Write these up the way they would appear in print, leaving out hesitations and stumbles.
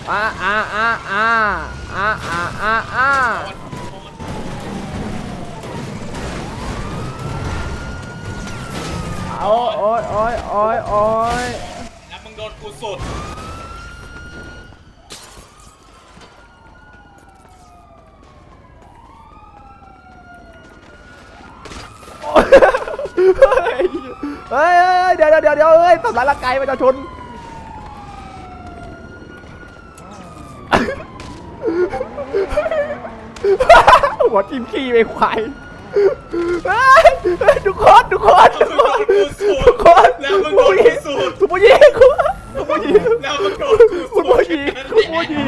อ่าอ่าอ่าอ่าอ่าอ่าอ่าอ่าโอ้ยโอ้ยโอ้ยโอ้ยโอ้ยแล้วมึงโดนกูสุดเฮ้ยเดี๋ยวเฮ้ยทำร้ายร่างกายประชาชนหัวทิ่มขี้ไปควายทุกคนทุกคนทุกคนทุกคนแล้วมึงโดนกูสุดคุณผู้หญิงคุณผู้หญิงแล้วมึงโดนกูคุสุณดผู้หญิงคุณผู้หญิง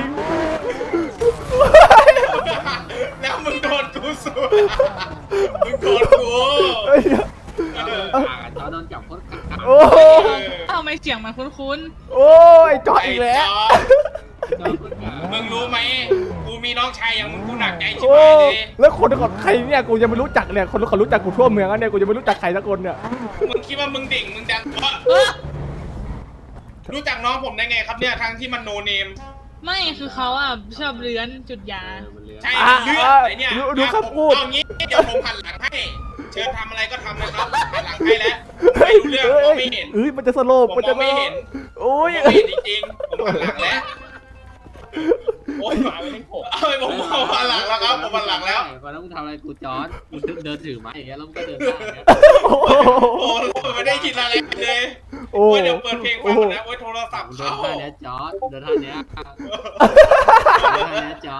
แล้วมึงโดนกูสุดมึงโดนกูจอโดนจับโคตรกักโอ้ทำไมเสียงมันคุ้นโอ้ยจอดอีกแล้วมึงรู้ไหมกูมีน้องชายอย่างมึงกูหนักใจชิบโอ้หายเลยแล้วคนของใครเนี่ยกูยังไม่รู้จักเนี่ยคนเขารู้จักกูทั่วเมืองแล้วเนี่ยกูยังไม่รู้จักใครสักคนเนี่ยมึงคิดว่ามึงดิ่งมึงดังรู้จักน้องผมได้ไงครับเนี่ยทั้งที่มันโนเนมๆ ไม่คือเขาอ่ะชอบเลื้อนจุดยาใช่เลือดไอเนี่ยดูคำพูดเอางี้เดี๋ยวผมหันหลังให้ เชิญทำอะไรก็ทำนะครับหันหลังให้แล้วไม่รู้เรื่องมองไม่เห็นเอ้ยมันจะสโลปผมมันจะมองไม่เห็นโอ้ยผมไม่เห็นจริงๆผมหันหลังแล้วโอ้ยหมาไม่ได้ผมเอ้ยผมหันหลังแล้วครับผมหันหลังแล้วตอนนั้นมึงทำอะไรกูจอดมึงเดินถือไม้อย่างเงี้ยแล้วมึงก็เดินได้อย่างเงี้ยโอ้โหโอ้ยไม่ได้ยินอะไรเลยโอ้โอ้ยเดี๋ยวเปิดเพลงฟังก่อนนะโอ้ยโทรศัพท์เดินเข้าท่าเนี้ยจอดเดินท่าเนี้ยเดินท่าเนี้ยจอด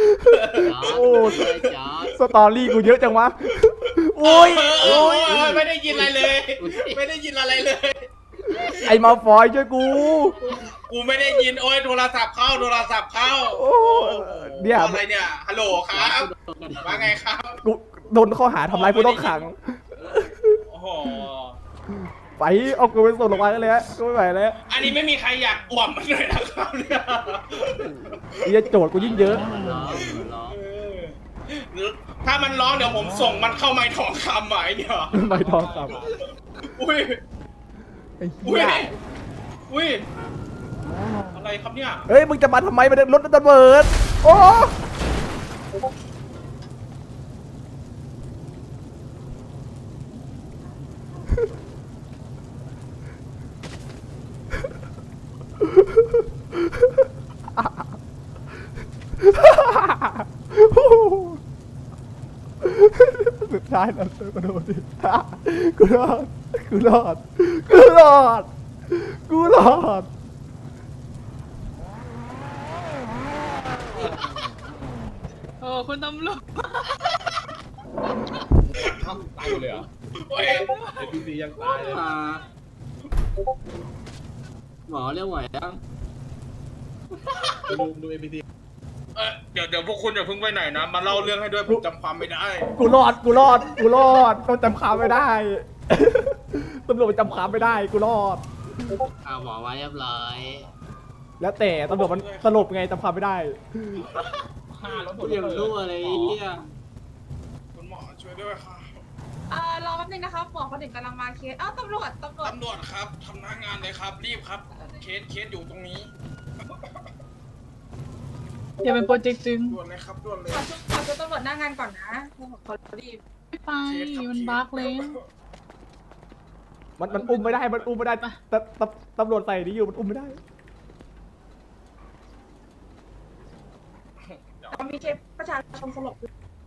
จอดสตอรี่กูเยอะจังวะโอ้ยโอ้ยไม่ได้ยินอะไรเลย ไม่ได้ยินอะไรเลยไอ้มาฟอยช่วยกูกูไม่ได้ยินโอ้ยโทรศัพท์เข้าโทรศัพท์เข้าโอ้เนี่ยอะไรเนี่ยฮัลโหลครับว่าไงครับกูโดนข้อหาทำร้ายผู้ต้องขังโอ้โหไปเอากูไปส่งโรงพยาบาลกันเลยฮะกูไม่ไหวแล้วอันนี้ไม่มีใครอยากอ่วมมันเลยนะครับเนี่ยไอ้โจทย์กูยิ่งเยอะร้องร้องเออถ้ามันร้องเดี๋ยวผมส่งมันเข้าไม้ทองคำอ่ะไอเนี่ยใบทองคอุ้ยำไอ้อุ้เหี้ยยอุ้ยอะไรครับเนี่ยเฮ้ยมึงจะมาทำไมมันรถระเบิดโอ้สุดท้ายแล้วกูโดนดิกูรอดกูรอดกูรอดกูรอดโอ้คุณตำรวจตายหมดเลยเหรอโอ้ยไอพีซียังตายเลยหมอเรียกไหวยังดูไอพีซีเดี๋ยวพวกคุณอย่าเพิ่งไปไหนนะมาเล่าเรื่องให้ด้วยผมจำความไม่ได้กูรอดต้องจำความไม่ได้ ตำรวจจำความไม่ได้กูรอดเอาหมอไว้เรียบร้อยแล้วแต่ตำรวจมันสลบไงจำความไม่ได้ฆ่าแล้วหมกูดยังรู้อะไรเหี้ยคุณหมอช่วยด้วยค่ะรอแป๊บนึงนะครับหมอคนหนึ่งกำลังมาเคสอ้าวตำรวจตำรวจครับทำหน้างานเลยครับ รีบครับ เคสอยู่ตรงนี้อย่าเป็นโปรเจกต์จึงด่วนเลยครับด่วนเลยขอชุดตำรวจหน้างานก่อนนะขอรีบไม่ไปมันบั๊กเลยมันอุ้มไม่ได้มันอุ้มไม่ได้ตำรวจใส่นี่อยู่มันอุ้มไม่ได้มีเคสประชาชนสลบ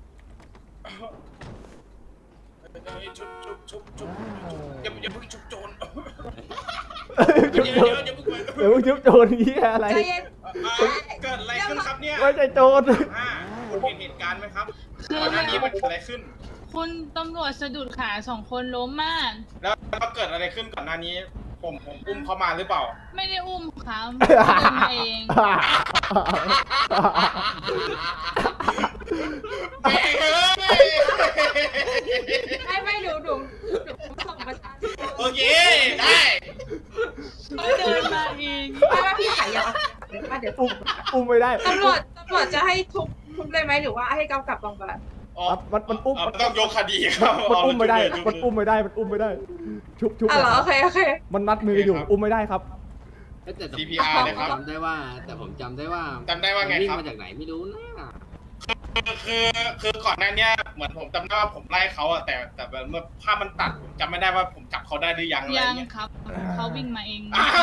ชุบอย่าเพิ่งชุบโจรจุ๊บเดี๋โจยวรอย่าเพิ่งไปเดี๋ยวจุ๊บโจรนี่อะไรใจเย็นเกิดอะไรขึ้นครับเนี่ยไม่ใช่โจรคุณเห็นเหตุการณ์ไหมครับก่อนหน้านี้มันเกิดอะไรขึ้นคุณตำรวจสะดุดขาสองคนล้มมากแล้วเกิดอะไรขึ้นก่อนหน้านี้ ผมอุ้มเขามาหรือเปล่าไม่ได้อุ้มค่ะเดินมาเองไม่ดูส่งประชาชนโอเค ได้เขาเดินมาเองไม่ว่าพี่ขายยาเดี๋ยวอุ้มไม่ได้ตำรวจจะให้ทุบเลยไหมหรือว่าให้กำกับโรงพยาบาลมันอุ้มต้องยกคดีครับมันอุ้มไม่ได้มันอุ้มไม่ได้ชุบอ๋อเหรอโอเคมันมัดมืออยู่อุ้มไม่ได้ครับแต่ CPR เลยครับจำได้ว่าไงวิ่งครับมาจากไหนไม่รู้นะคือก่อนหน้าเนี้ยเหมือนผมจำได้ว่าผมไล่เขาอะแต่เมื่อภาพมันตัดผมจำไม่ได้ว่าผมจับเขาได้หรือยังอะไรยังเงี้ยครับเขาวิ่งมาเอง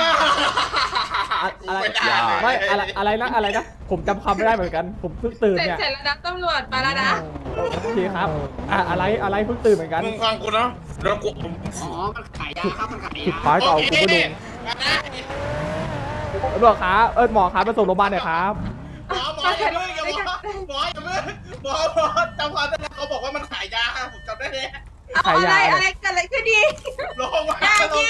อะไรไม่ได้เลยไม่อะไรนะผมจำคำไม่ได้เหมือนกันผมเพิ่งตื่นเสร็จเนี่ยเสร็จแล้วนะตำรวจมาแล้วนะโอเคครับอะไรเพิ่งตื่นเหมือนกันมึงฟังกูเนาะแล้วกูอ๋อมันขายยาครับมันขายสุดยาท้ายก็เอากูไปลงนะตำรวจครับหมอครับไปส่งโรงพยาบาลหน่อยครับหมออย่าเพิ่งอย่าหมออย่าเพิ่งหมอจำความได้แล้วเขาบอกว่ามันขายยาผมจำได้เลยเอาอะไรเกิดอะไรขึ้นดีลงมา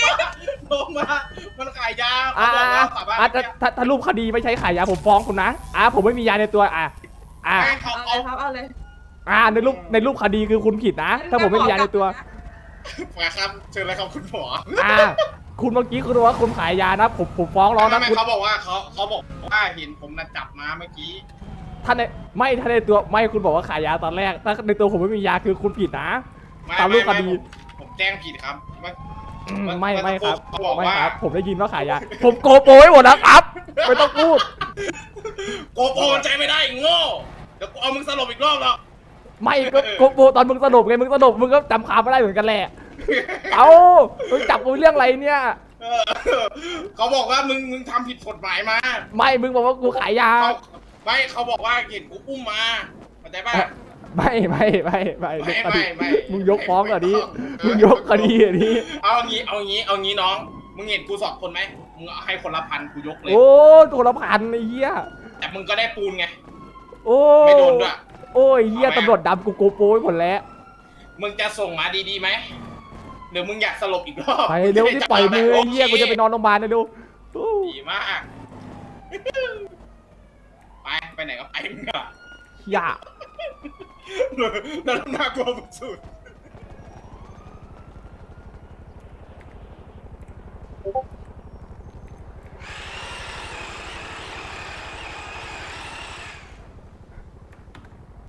มันขายยาเขาบอกว่าสามารถถ้ารูปคดีไม่ใช่ขายยาผมฟ้องคุณนะผมไม่มียาในตัวให้เขาเอาเอาเลยครับเอาเลยในรูปคดีคือคุณผิดนะ ถ้าผมไม่มียาในตัวมาครับเชิญเลยครับคุณหมอคุณเมื่อกี้คุณบอกว่าคุณขายยานะผมฟ้องร้องนะไม่คุณเขาบอกว่าเขาบอกว่าเห็นผมนะจับมาเมื่อกี้ถ้าในตัวไม่คุณบอกว่าขายยาตอนแรกถ้าในตัวผมไม่มียาคือคุณผิดนะตามรูปคดีผมแจ้งผิดครับไม่ครับเขาบอกไม่ว่าครับผมได้ยินว่าขายยาผมโกโปรไว้หมดนะครับ ไม่ต้องพูดโกโปรใจไม่ได้โง่เดี๋ยวกูเอามึงสลบอีกรอบแล้วไม่ก็โกโปรตอนมึงสลบไงมึงสลบมึงก็จำคำไม่ได้เหมือนกันแหละมึงจับกูเรื่องอะไรเนี่ยเขาบอกว่ามึงทำผิดกฎหมายมาไม่มึงบอกว่ากูขายยาเขาบอกว่าเห็นกูอุ้มมาเข้าใจป่ะไม่มึงยกฟ้องก่อนดิไม่ต้องมึงยกคดีอันนี้เอางี้น้องมึงเห็นกู2 คนไหมมึงให้คนละ1,000กูยกเลยโอ้ตัวละพันไอ้เหี้ยแต่มึงก็ได้ปูนไงโอ้ไม่โดนด้วยโอ้ยเหี้ยตำรวจดำกูโกโปรไว้หมดแล้วมึงจะส่งมาดีๆไหมหรือมึงอยากสลบอีกรอบไปเร็วที่ปล่อยมือไอ้เหี้ยกูจะไปนอนโรงพยาบาลนะดูดีมากไปไหนก็ไปมึงอะอย่าแล้วน่ากลัวสุด